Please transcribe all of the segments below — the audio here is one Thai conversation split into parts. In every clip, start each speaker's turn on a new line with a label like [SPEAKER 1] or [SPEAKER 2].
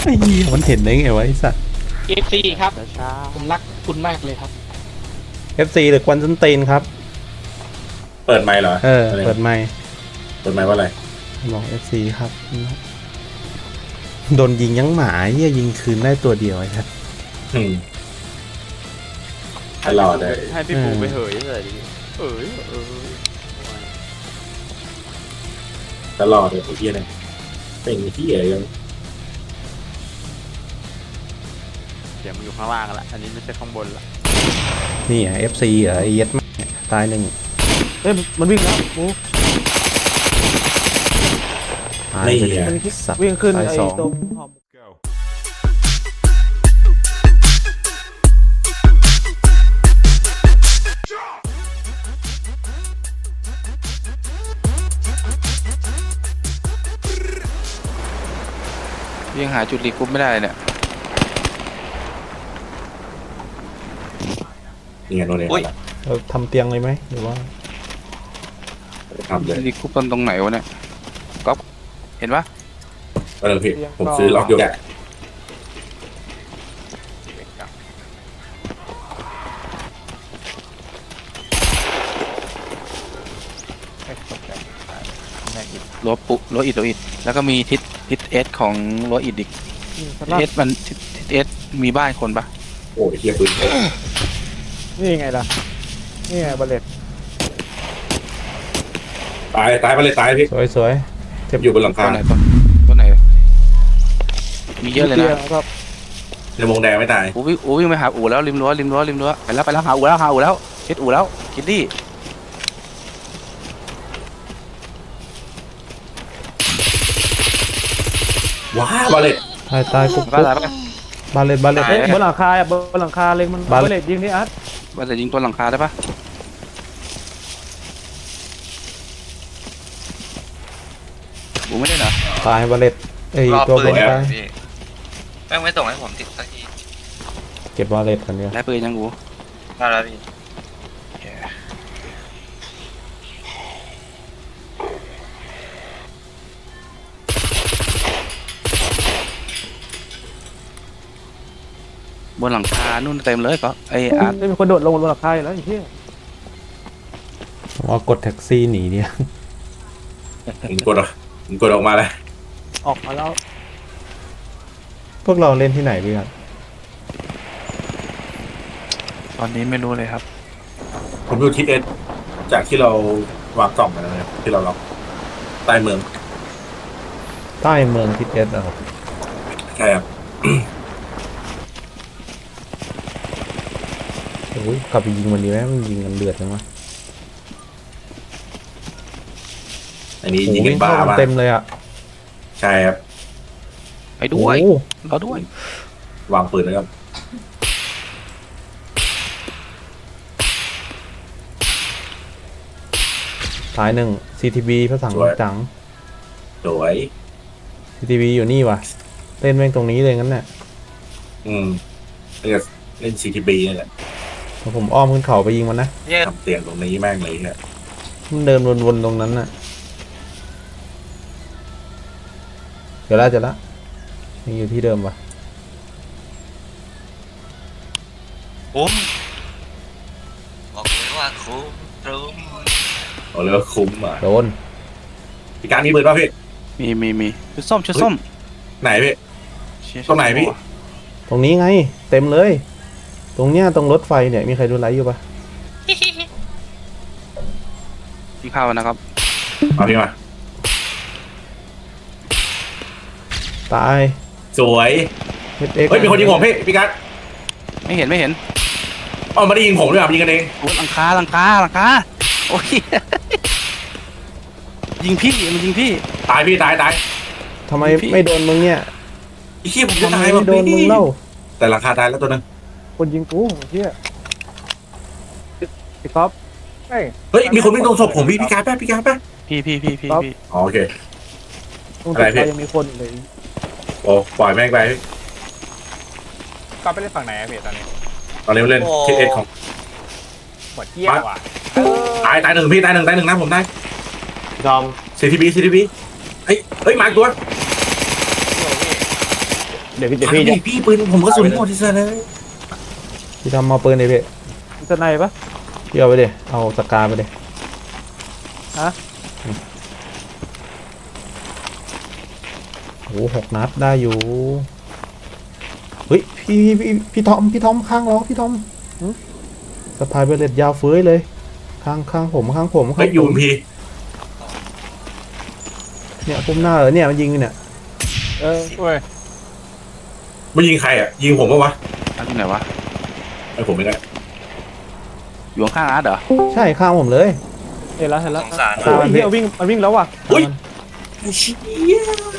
[SPEAKER 1] ไอ้เหี้ยมันเห็นได้ไงวะไอ้สัตว์
[SPEAKER 2] FC ครับผมรักคุณมากเลยครับ
[SPEAKER 1] FC หรือควันซันตีนครับ
[SPEAKER 3] เปิดไมค์เหรอ
[SPEAKER 1] เปิดไมค์
[SPEAKER 3] เปิดไมค์ว่าอะไร
[SPEAKER 1] บอก FC ครับโดนยิงยังหมาเหี้ยยิงคืนได้ตัวเดียวไอ้ครับ
[SPEAKER 3] ตลอดเลย
[SPEAKER 4] ให้พี่ปูไปเหยเลยดิ
[SPEAKER 3] ตลอดเลยไอ้เหี้ยเนี่ยเป็นที่เอ๋ยัง
[SPEAKER 4] เดี๋ยวมันอยู่ข้างล่างละอันนี้ไม่ใช่ข้างบนละ
[SPEAKER 1] นี่อ่ะ FC เหรอไอ้เหี้ย็ดมากตายหนึ่ง
[SPEAKER 5] เฮ้ยมันวิ่งแล้วปู
[SPEAKER 1] ตาย
[SPEAKER 3] นี่
[SPEAKER 1] ไปเลย
[SPEAKER 3] อ่ะ
[SPEAKER 1] สัตว์
[SPEAKER 5] วิ่งขึ้น
[SPEAKER 1] ตาย
[SPEAKER 5] ไอ้
[SPEAKER 1] สอง
[SPEAKER 5] ตรงหอม
[SPEAKER 6] ยังหาจุดรีกรุ๊ปไม่ได้เลยเนี่ย
[SPEAKER 3] นี่ไงโน่นเอง
[SPEAKER 1] เราทำเตียงเลยไหมหรือว่า
[SPEAKER 3] ทำเลย
[SPEAKER 6] รีกรุ๊ปตรงไหนวะเนี่ยก๊อฟเห็นปะ
[SPEAKER 3] พี่ผมซื้อล็อกยกแกะ
[SPEAKER 6] รั้วปุรั้วอิฐแล้วก็มีทิศเอสของรั้วอิฐอีก
[SPEAKER 5] ส
[SPEAKER 6] ทิศ
[SPEAKER 5] ลับ
[SPEAKER 6] เอสมันทิศเอสมีบ้านคนปะ
[SPEAKER 3] โอ้ยเหี้ยปืน
[SPEAKER 5] นี่ไงล่ะนี่ไงบัลเลต
[SPEAKER 3] ตายไปเลยตายพี่
[SPEAKER 1] สวย
[SPEAKER 3] อยู่บนหลัง
[SPEAKER 6] ตั
[SPEAKER 3] คาว
[SPEAKER 6] ไหนตัวไหนมีเยอะเลยนะ
[SPEAKER 5] ครับ
[SPEAKER 3] ในวงแดงไม่ตาย
[SPEAKER 6] วิ่งไปหาอู่แล้วริมรั้วไปแล้วหาอู่แล้วเช็ดอู่แล้วคิดดี้
[SPEAKER 3] ว้าวมาเลย
[SPEAKER 1] ตายปุ๊บบ
[SPEAKER 6] าอะไรปะ
[SPEAKER 1] บาเลต
[SPEAKER 5] เฮ้ยบนหลังคาอ่ะบนหลังคาเลยมัน
[SPEAKER 1] บัลเลต
[SPEAKER 5] บัลเลตยิงนี่อาร์ต
[SPEAKER 6] ว่าจะยิงตัวหลังคาได้ปะอูไม่ได้เหรอ
[SPEAKER 1] ตายบาเลตไอ้
[SPEAKER 7] รอ
[SPEAKER 1] ตัว
[SPEAKER 7] ปื
[SPEAKER 1] บ
[SPEAKER 7] น
[SPEAKER 1] น
[SPEAKER 7] อยู่
[SPEAKER 1] ตาย
[SPEAKER 7] พี่แม่งไม่ส่งให้ผมติดสักที
[SPEAKER 1] เก็บบาเลตคนเดียว
[SPEAKER 6] ได้ปืนยังอู
[SPEAKER 7] ได้แล้วพี่
[SPEAKER 6] บนหลังคานู่นเต็มเลยก็ไออาร์ต
[SPEAKER 5] เฮ้ยมีคนโดดลงบนหลังคาอยู่แล้วไอ้เหี้ย
[SPEAKER 1] ว่ากดแท็กซี่หนีเนี่ย
[SPEAKER 3] ผมกดออกมาเลย
[SPEAKER 5] ออกมาแล้ว
[SPEAKER 1] พวกเราเล่นที่ไหนพี่ครับ
[SPEAKER 6] ตอนนี้ไม่รู้เลยครับ
[SPEAKER 3] ผมดูทิศเอสจากที่เราวางกล่องกันนะครับที่เราล็อกใต้เมือง
[SPEAKER 1] ใต้เมืองทิศเอสเหรอครับ
[SPEAKER 3] ใช่ครับ
[SPEAKER 1] โอ้ยกลับไปยิงมันดีไหมมันยิงกันเดือดจังวะ
[SPEAKER 3] อันนี้
[SPEAKER 1] โอ้
[SPEAKER 3] ยิง
[SPEAKER 1] ย
[SPEAKER 3] กันบ้า
[SPEAKER 1] เข้า
[SPEAKER 3] บ้า
[SPEAKER 1] เต็มเลยอ่ะ
[SPEAKER 3] ใช่ครับ
[SPEAKER 6] ไปด้วย
[SPEAKER 1] โอ้
[SPEAKER 6] เราด้วย
[SPEAKER 3] วางปืนนะครับ
[SPEAKER 1] ตายหนึ่ง CTB พระสังจัง
[SPEAKER 3] สวย
[SPEAKER 1] CTB อยู่นี่ว่ะเล่นแม่งตรงนี้เลยงั้นน่ะ
[SPEAKER 3] เล่น CTB นี่แหละ
[SPEAKER 1] พอผมอ้อมขึ้นเขาไปยิงมันนะ
[SPEAKER 7] เนี่ย
[SPEAKER 3] ทำเตียงตรงนี้แม่งเลยเนี่ย
[SPEAKER 1] มันเดินวนๆตรงนั้นน่ะเดี๋ยวละยังอยู่ที่เดิมว่ะ
[SPEAKER 7] คุ้มบอกเลยว่าคุ้ม
[SPEAKER 3] เอาเลยว่าคุ้มอ่ะ
[SPEAKER 1] โดน
[SPEAKER 3] พี่การมีปืนป่ะพี่
[SPEAKER 6] มีชุดส้ม
[SPEAKER 3] ไหนพี่
[SPEAKER 6] เชี่ย
[SPEAKER 3] ตรงไหนพี่
[SPEAKER 1] ตรงนี้ไง เต็มเลย ตรงเนี้ยตรงรถไฟเนี่ยมีใครดูไลฟ์อยู่ปะ
[SPEAKER 6] พี่เข้านะครับ
[SPEAKER 3] เอาพี่มา
[SPEAKER 1] ตาย
[SPEAKER 3] สวย
[SPEAKER 1] HX
[SPEAKER 3] เฮ้ยมีคนยิงผมพี่การ
[SPEAKER 6] ไม่เห็น
[SPEAKER 3] อ๋อไม่ได้ยิงผมด้วยอ่ะยิงกันเอง
[SPEAKER 6] โอ้หลังคาโอ้ยยิงพี่มันยิงพี่
[SPEAKER 3] ตายพี่ตาย
[SPEAKER 1] ทำไมไม่โดนมึงเนี่ย
[SPEAKER 3] ไอ้ขี้ยผมจะ
[SPEAKER 1] ทำไม
[SPEAKER 3] ตาย
[SPEAKER 1] ไม่โดนมึงเล่า
[SPEAKER 3] แต่ราคาตายแล้วตัวนึง
[SPEAKER 5] คนยิงกูไอ้เหี้ยพี่ก๊อฟเฮ้ย
[SPEAKER 3] เฮ้ยมีคนวิ่งตรงศพผมพี่การแป๊บพี่การแป๊บ
[SPEAKER 6] พี่
[SPEAKER 3] อ๋อโอเค
[SPEAKER 5] ตรง
[SPEAKER 3] อะไร
[SPEAKER 5] ตึก
[SPEAKER 3] พี่
[SPEAKER 5] เรายังมีคนอยู่เลย
[SPEAKER 3] โอ้ปล่อยแม่งไปพี่
[SPEAKER 4] ก็ไปเล่นฝั่งไหนอะพี่ตอนนี้
[SPEAKER 3] ตอนนี้เล่นทิศเอสของ
[SPEAKER 4] หมดเที่ยวอ่ะ
[SPEAKER 3] ตายหนึ่งพี่ตายหนึ่งนะผมได้
[SPEAKER 2] ยอม
[SPEAKER 3] CTB เฮ้ยมาอีกตัว
[SPEAKER 5] เดี๋ยวพี่จะ
[SPEAKER 3] พี่ปืนผมก็สุนหมดที่เซนเลย
[SPEAKER 1] พี่ทำเอาปืนเลยพี่
[SPEAKER 5] จะในปะ
[SPEAKER 1] พี่เอาไปเดี๋ยเอาสกาไปเดี๋ย
[SPEAKER 5] ฮะ
[SPEAKER 1] โอ้โห6 นัดได้อยู่เฮ้ยพี่ทอมข้างล้อพี่ทอมสะพายเบลเลตยาวเฟ้ยเลยข้างผมข้าง
[SPEAKER 3] เฮ้ยยูนพี
[SPEAKER 1] เนี่ยปุ่มหน้าเหรอเนี่ยมันยิงอยู่เนี่ย
[SPEAKER 5] เว้ย
[SPEAKER 3] ไม่ยิงใครอ่ะยิงผมปะวะ
[SPEAKER 6] อาร์ตที่ไหนวะ
[SPEAKER 3] ไอ้ผมไม่ได้
[SPEAKER 6] อยู่ข้างอาร์ตเหรอ
[SPEAKER 1] ใช่ข้างผมเลย
[SPEAKER 5] เห็นแล้ว
[SPEAKER 7] สงสาร
[SPEAKER 1] ข้างมันพี่
[SPEAKER 5] มันวิ่งแล้วว่ะ
[SPEAKER 3] อุ้ยไอ้เชี่ย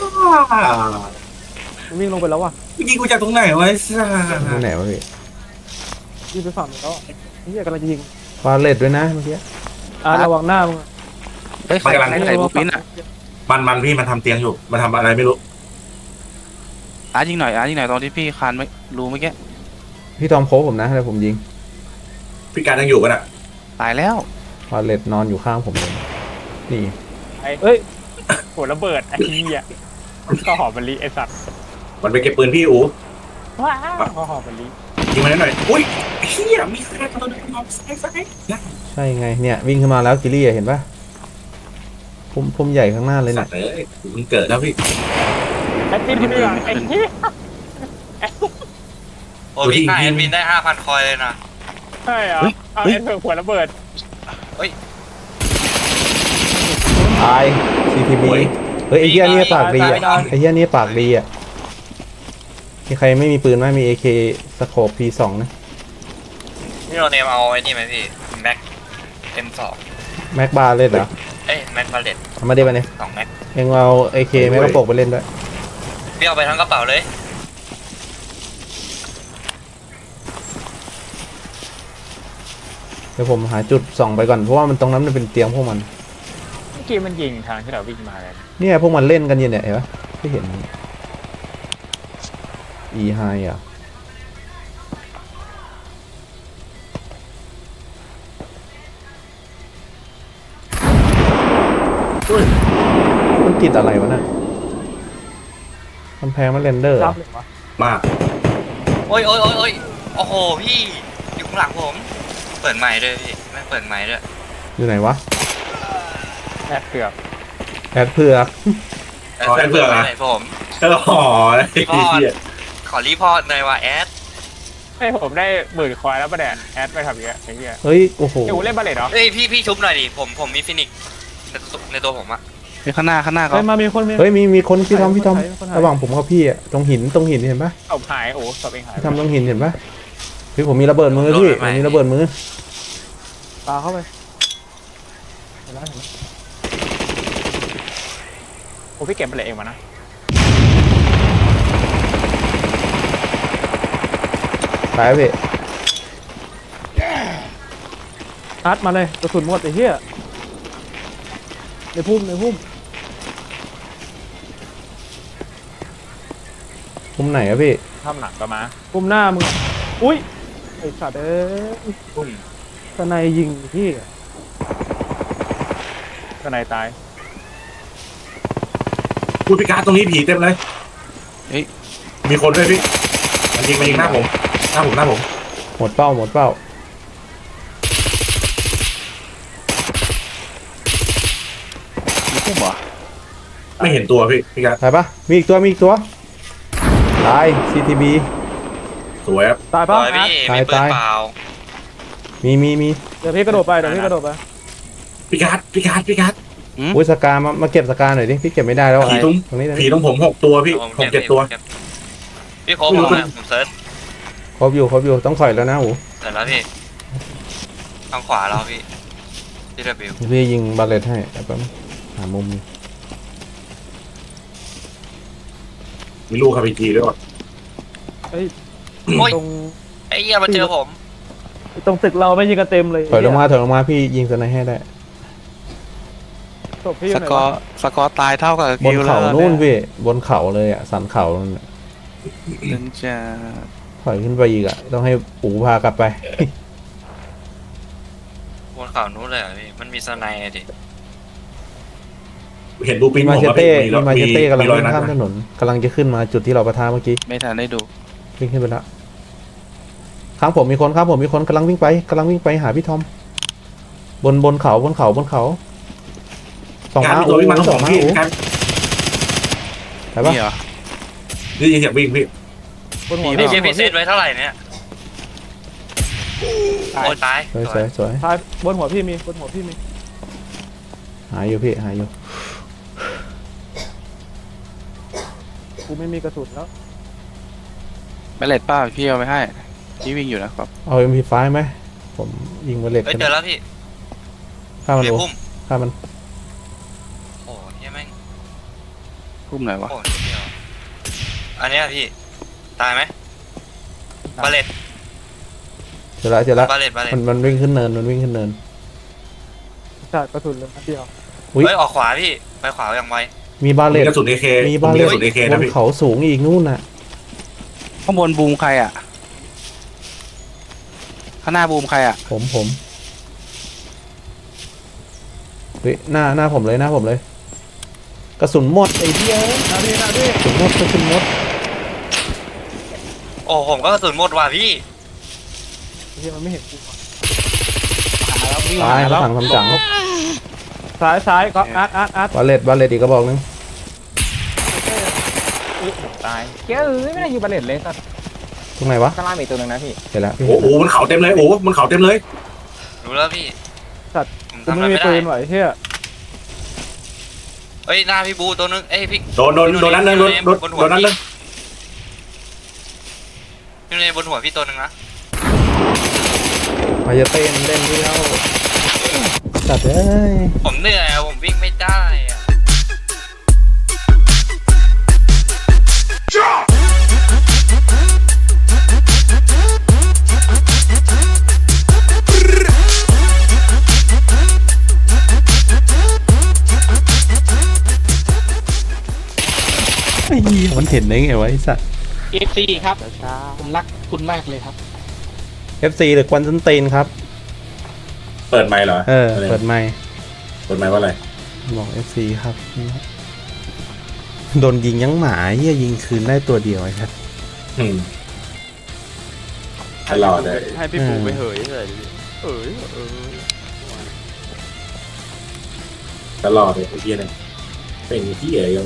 [SPEAKER 5] มันวิ่งลงไปแล้วว่ะ
[SPEAKER 3] ยิงกูจากตรงไหนวะไอ้สัส
[SPEAKER 1] ตรงไหนวะพี่
[SPEAKER 5] วิ่งไปฝั่งแล้วนี่กำลังจะยิง
[SPEAKER 1] ฟาเลตด้วยนะเมื่อกี้
[SPEAKER 5] ระวังหน้ามึง
[SPEAKER 6] เฮ้ยใครใส่บูปินอ่ะ
[SPEAKER 3] มันพี่มันทำเตียงอยู่มันทำอะไรไม่รู้
[SPEAKER 6] อาร์ตยิงหน่อยอาร์ตยิงหน่อยตอนที่พี่คานไม่รู้เมื่อกี้
[SPEAKER 1] พี่ทอมโค้ชผมนะแล้วผมยิง
[SPEAKER 3] พี่การยังอยู่กันอ่ะ
[SPEAKER 6] ตายแล้ว
[SPEAKER 1] ฟาเลตนอนอยู่ข้างผมเลยนี่
[SPEAKER 5] เอ้ย
[SPEAKER 8] โหระเบิดไอ้เหี้ยก็หอมมะลิไอ้สัตว์
[SPEAKER 3] มันไปเก็บปืนพี่อู๋
[SPEAKER 8] ว้าวก็หอมมะลิ
[SPEAKER 3] ยิงมันหน่อยอุ้ยเฮียมีใครตัวนึงมองซ้าย
[SPEAKER 1] ใช่ไงเนี่ยวิ่งขึ้นมาแล้วกิลลี่อะเห็นปะพุ่มใหญ่ข้างหน้าเลย
[SPEAKER 3] สั
[SPEAKER 1] เนี่ย
[SPEAKER 3] ตว์เอ้ยมึงเกิดแล้วพี่
[SPEAKER 8] ไอ้ที่นี่ไอ้เหี้ย
[SPEAKER 7] โอ้พี่ค่าแอดมินได้ 5,000 คอยเลยนะ
[SPEAKER 8] ใช่เหรอเอาไอ้เถื่อนหัวระเบิด
[SPEAKER 1] ตาย CTB เฮ้ยไอ้เหี้ยนี่ปากดีอ่ะไอ้เหี้ยนี่ปากดีอ่ะมีใครไม่มีปืนไหมมี AK สโคป P2 นะ
[SPEAKER 7] พี่โรเนมเอาไอ้นี่ไหมพี่แม็ก M2
[SPEAKER 1] แม็กบาร์เล่นเหรอ
[SPEAKER 7] เอ้ยแม็กพาเลต
[SPEAKER 1] เอามาดิมาเนี่ย
[SPEAKER 7] 2 แม็ก
[SPEAKER 1] เอ็งเอา AK แม็กกระโปกไปเล่นด้วย
[SPEAKER 7] พี่เอาไปทั้งกระเป๋าเลย
[SPEAKER 1] เดี๋ยวผมหาจุดส่องไปก่อนเพราะว่ามันตรงนั้นมันเป็นเตียงพวกมัน
[SPEAKER 8] เมื่อกี้มันยิงทางที่เราวิ่งมาเลย
[SPEAKER 1] เนี่ยพวกมันเล่นกันอยู่เนี่ยเห็นปะไม่เห็น E high อ่ะมันติดอะไรวะน่ะกำแพงมันเรนเดอร์
[SPEAKER 5] รับเลยวะ
[SPEAKER 3] มาก
[SPEAKER 7] โอ้ยโอ้โหพี่อยู่ข้างหลังผม เปิดไมค์ด้วยพี่ไม่เปิดไมค์ด้วย
[SPEAKER 1] อยู่ไหนวะ
[SPEAKER 8] แอบเกือบ
[SPEAKER 1] แอดเผือก
[SPEAKER 3] แอดเผือกนะ
[SPEAKER 7] ไหนผม
[SPEAKER 3] ก็ห่อไอ้เหี้ย
[SPEAKER 7] ขอรีพอร์ตหน่อยว่าแอด
[SPEAKER 8] ให้ผมได้10,000 คอยแล้วปะเนี่ยแอดไปทำอย่างเงี้ยไอ้เหี้ย
[SPEAKER 1] เฮ้ยโอ้โห
[SPEAKER 8] เดี๋ยวกูเล่นบาเลตเหรอ
[SPEAKER 7] เอ้ยพี่ชุบหน่อยดิผมมีฟินิกซ์ในตัวผมอะ
[SPEAKER 6] เฮ้ยข้างหน้าเขา
[SPEAKER 5] เฮ้ยมามีคน
[SPEAKER 1] เฮ้ยมีคนพี่ทอม
[SPEAKER 5] คนหาย
[SPEAKER 1] ระหว่างผมกับพี่อะตรงหินเห็นปะ
[SPEAKER 8] ศพหายโอ้ศพเองหาย
[SPEAKER 1] พี่ทำตรงหินเห็นปะพี่ผมมีระเบิดมือพี่ผมมีระเบิดมือ
[SPEAKER 5] ปาเข้าไปเห็นแล้ว
[SPEAKER 8] โอ้พี่เก็บบาเลตเองมานะ
[SPEAKER 1] ตายพี่
[SPEAKER 5] อาร์ตมาเลยกระสุนหมดไอ้เหี้ยในพุ่ม
[SPEAKER 1] มุมไหนอะพี่
[SPEAKER 8] ทำหนังก็มา
[SPEAKER 5] พุ่มหน้ามึงอุ้ยไอ้สัตว์สไนยิงพี่
[SPEAKER 8] ก็นายตาย
[SPEAKER 3] พูดพิการตรงนี้ผีเต็มเลย
[SPEAKER 6] เฮ้ย
[SPEAKER 3] มีคนด้วยพี่มันยิงหน้าผม
[SPEAKER 1] หมดเป้า
[SPEAKER 6] มีพุ่มเหรอ
[SPEAKER 3] ไม่เห็นตัวพี่พิการ
[SPEAKER 1] ตายปะมีอีกตัวตาย CTB
[SPEAKER 3] สวยครับ
[SPEAKER 5] ตาย
[SPEAKER 7] ปล่
[SPEAKER 5] ปะ
[SPEAKER 7] อยพี่มีปืน
[SPEAKER 1] ตาย
[SPEAKER 7] เปล่า
[SPEAKER 1] มี
[SPEAKER 5] เดี๋ยวพี่กระโดดไป
[SPEAKER 3] พิการ
[SPEAKER 1] อุ้ยสกามาเก็บสกาหน่อยดิพี่เก็บไม่ได้แล้วอะ
[SPEAKER 3] ผีตรง
[SPEAKER 1] นี้
[SPEAKER 3] ผีตรงผม6 ตัวพี่6 7 ตัว
[SPEAKER 7] พี่โค้งผมนะผมเซิร์ช
[SPEAKER 1] ครบอยู่ต้องถอยแล้วนะโห
[SPEAKER 7] เสร็จแล้วพี่ทางขวาเราพี่ที่ระบิว
[SPEAKER 1] พี่ยิงบาเลตให้แป๊บหามุม
[SPEAKER 3] มีลูกคาร์พีจีด้วยว่ะ
[SPEAKER 7] โอ้ย
[SPEAKER 5] ตรง
[SPEAKER 7] ไอ้เหี้ยมาเจอผม
[SPEAKER 5] ตรงตึกเราไม่ยิงกันเต็มเลย
[SPEAKER 1] ถอยลงมาพี่ยิงสไนให้ได้
[SPEAKER 5] ศพพี่อ
[SPEAKER 6] ส
[SPEAKER 5] ยู่ไหน
[SPEAKER 6] กอ
[SPEAKER 5] วะ
[SPEAKER 6] ร์สกอร์ตายเท่ากับบ
[SPEAKER 1] น
[SPEAKER 6] กิลแล้ว
[SPEAKER 1] เขานู่นพี่บนเขาเลยอะสันเขานั่นน่ะ
[SPEAKER 6] นึงจะ
[SPEAKER 1] ถอยขึ้นไปอีกอะต้องให้ปู่พากลับไป
[SPEAKER 7] บนเขานู้นเลยเหรอพี่มันมีสไนด์อะดิ
[SPEAKER 3] เห็นบูปิน
[SPEAKER 1] มี
[SPEAKER 3] ผ
[SPEAKER 1] มาเช
[SPEAKER 3] ว่า
[SPEAKER 1] เต้
[SPEAKER 3] มี
[SPEAKER 1] มีมาเชเต้กำลัง
[SPEAKER 3] รอย
[SPEAKER 1] วิ่ง
[SPEAKER 3] นัด
[SPEAKER 1] ข้ามถนนกำลังจะขึ้นมาจุดที่เราปะทะเมื่อกี้
[SPEAKER 6] ไม่ทันได้ดู
[SPEAKER 1] วิ่งขึ้นไปแล้วข้างผมมีคนครับผมมีคนกำลังวิ่งไปหาพี่ทอมบนเขาสอง
[SPEAKER 3] งาน
[SPEAKER 1] ม้า
[SPEAKER 3] มีตัววิ่งมาทั้ง
[SPEAKER 1] ส
[SPEAKER 3] ส
[SPEAKER 1] อ
[SPEAKER 3] อง ง
[SPEAKER 1] ม้า
[SPEAKER 3] พี่
[SPEAKER 1] โอ้
[SPEAKER 3] ครับ
[SPEAKER 1] ไปปะ
[SPEAKER 6] นี่เหรอ
[SPEAKER 3] ได้ยินเสียงวิ่งพี่
[SPEAKER 5] บนหัว
[SPEAKER 7] พี่เจพิเศษไว้เท่าไหร่เนี่ยโอ้ยตาย
[SPEAKER 1] สวย
[SPEAKER 5] ซ้ายบนหัวพี่มีบนหัวพี่มี
[SPEAKER 1] หายอยู่พี่หายอยู่
[SPEAKER 5] กูไม่มีกระสุนแล้ว
[SPEAKER 6] แบลเลตป้าพี่เอาไปให้พี่วิ่งอยู่นะครับ
[SPEAKER 1] เอา MP5 ไหมผมยิงมาเล็ก
[SPEAKER 7] เฮ้ยเจอแล้วพี่
[SPEAKER 1] ฆ่ามัน
[SPEAKER 7] เบีย
[SPEAKER 1] โอ้
[SPEAKER 7] พุ่ม
[SPEAKER 1] ฆ่ามัน
[SPEAKER 7] โอ้ยแม่ง
[SPEAKER 6] พุ่มไหนวะ
[SPEAKER 7] โอ้ยเดียวอันเนี้ยพี่ตายไหมบาเลต
[SPEAKER 1] เจอละ
[SPEAKER 7] บาเลต
[SPEAKER 1] มันวิ่งขึ้นเนิน
[SPEAKER 5] ใช่กระสุนเลยนัดเดียว
[SPEAKER 1] อุ๊ย
[SPEAKER 7] เฮ้ยออกขวาพี่ไปขวาอย่างไว
[SPEAKER 1] มีบาเล
[SPEAKER 3] มี
[SPEAKER 1] ต
[SPEAKER 3] กระสุน AK
[SPEAKER 1] มีบาเล
[SPEAKER 3] ก
[SPEAKER 1] ต
[SPEAKER 3] ระสุน AK
[SPEAKER 1] บ
[SPEAKER 3] นะ
[SPEAKER 1] น
[SPEAKER 3] พี่
[SPEAKER 1] เขาสูงอีกนู่นน่ะ
[SPEAKER 6] ข้างบนบูมใครอ่ะข้างหน้าบูมใครอ่ะ
[SPEAKER 1] ผมเฮ้ยหน้าผมเลยกระสุนหมดไอ้เหี้ย
[SPEAKER 5] นาดี
[SPEAKER 1] กระสุนหมด
[SPEAKER 7] โอ้ผมก็กระสุนหมดว่ะพี่
[SPEAKER 5] ที่มันไม่เห็นกู
[SPEAKER 1] ตายเขาถังทำจัง
[SPEAKER 5] ซ้ายก็อาร์ต
[SPEAKER 1] บาเลตอีกกระบอกนึง
[SPEAKER 8] ตายเกี้ยไม่ได้อยู่บาเลตเลยสัตว์
[SPEAKER 1] ตรงไหนวะ
[SPEAKER 8] ข้างล่างมีตัวหนึงนะพี่
[SPEAKER 1] เห็นแล้วพี่
[SPEAKER 3] โอ้โหมันเขาเต็มเลยโอ้มันเขาเต็มเลย
[SPEAKER 7] รู้แล้วพี่ผม
[SPEAKER 5] กู
[SPEAKER 7] ทำอะไร
[SPEAKER 5] ไม่มี
[SPEAKER 7] ไม่ได้
[SPEAKER 5] ปืนไหวเฮีย
[SPEAKER 7] เฮ้ยหน้าพี่บูตัวนึงเอ้ยพี่
[SPEAKER 3] โดนนั้นเลยโดนนั้นเลย
[SPEAKER 7] อยู่ในบนหัวพี่ตัวนึงนะ
[SPEAKER 1] มาจะเต้นเล่นนี่แล้วจัดเอ้ย
[SPEAKER 7] ผมเหนื่อยอะผมวิ่งไม่ได้อะ
[SPEAKER 1] ไอ้เหี้ยมันเห็นได้ไงวะไอ้สัส
[SPEAKER 2] FC ครับ ผมรักคุณมากเลยครับ
[SPEAKER 1] FC หรือควันซันตีนครับ
[SPEAKER 3] เปิดไมค์เหรอ
[SPEAKER 1] เปิดไมค์
[SPEAKER 3] เปิดไมค์ว่าอะไร
[SPEAKER 1] บอก FC ครับโดนยิงยังหมาเหี้ยยิงคืนได้ตัวเดียวไอ้ครับ
[SPEAKER 3] ตลอดเลย
[SPEAKER 4] ให้พี่ปูไปเหยเลย
[SPEAKER 3] ตลอดเลยไอ้เหี้ยเนี่ยเป็นที่เอ๋ย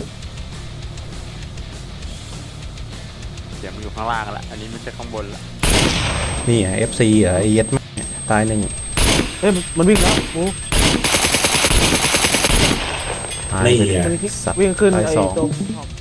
[SPEAKER 4] เสียงมันอยู่ข้างล่างละอันนี้ไม่ใช่ข้างบนละ
[SPEAKER 1] นี่อ่ะ FC เหรอไอ้เย็ดแม่งตายหนึ่ง
[SPEAKER 5] เฮ้ยมันวิ่งแล้วกู
[SPEAKER 1] ตายไปเลย
[SPEAKER 3] นี่อ่ะ
[SPEAKER 5] มัน
[SPEAKER 1] สัตว์
[SPEAKER 5] วิ่งขึ้น
[SPEAKER 1] ตาย
[SPEAKER 5] ไอ้
[SPEAKER 1] สอง
[SPEAKER 5] ตรง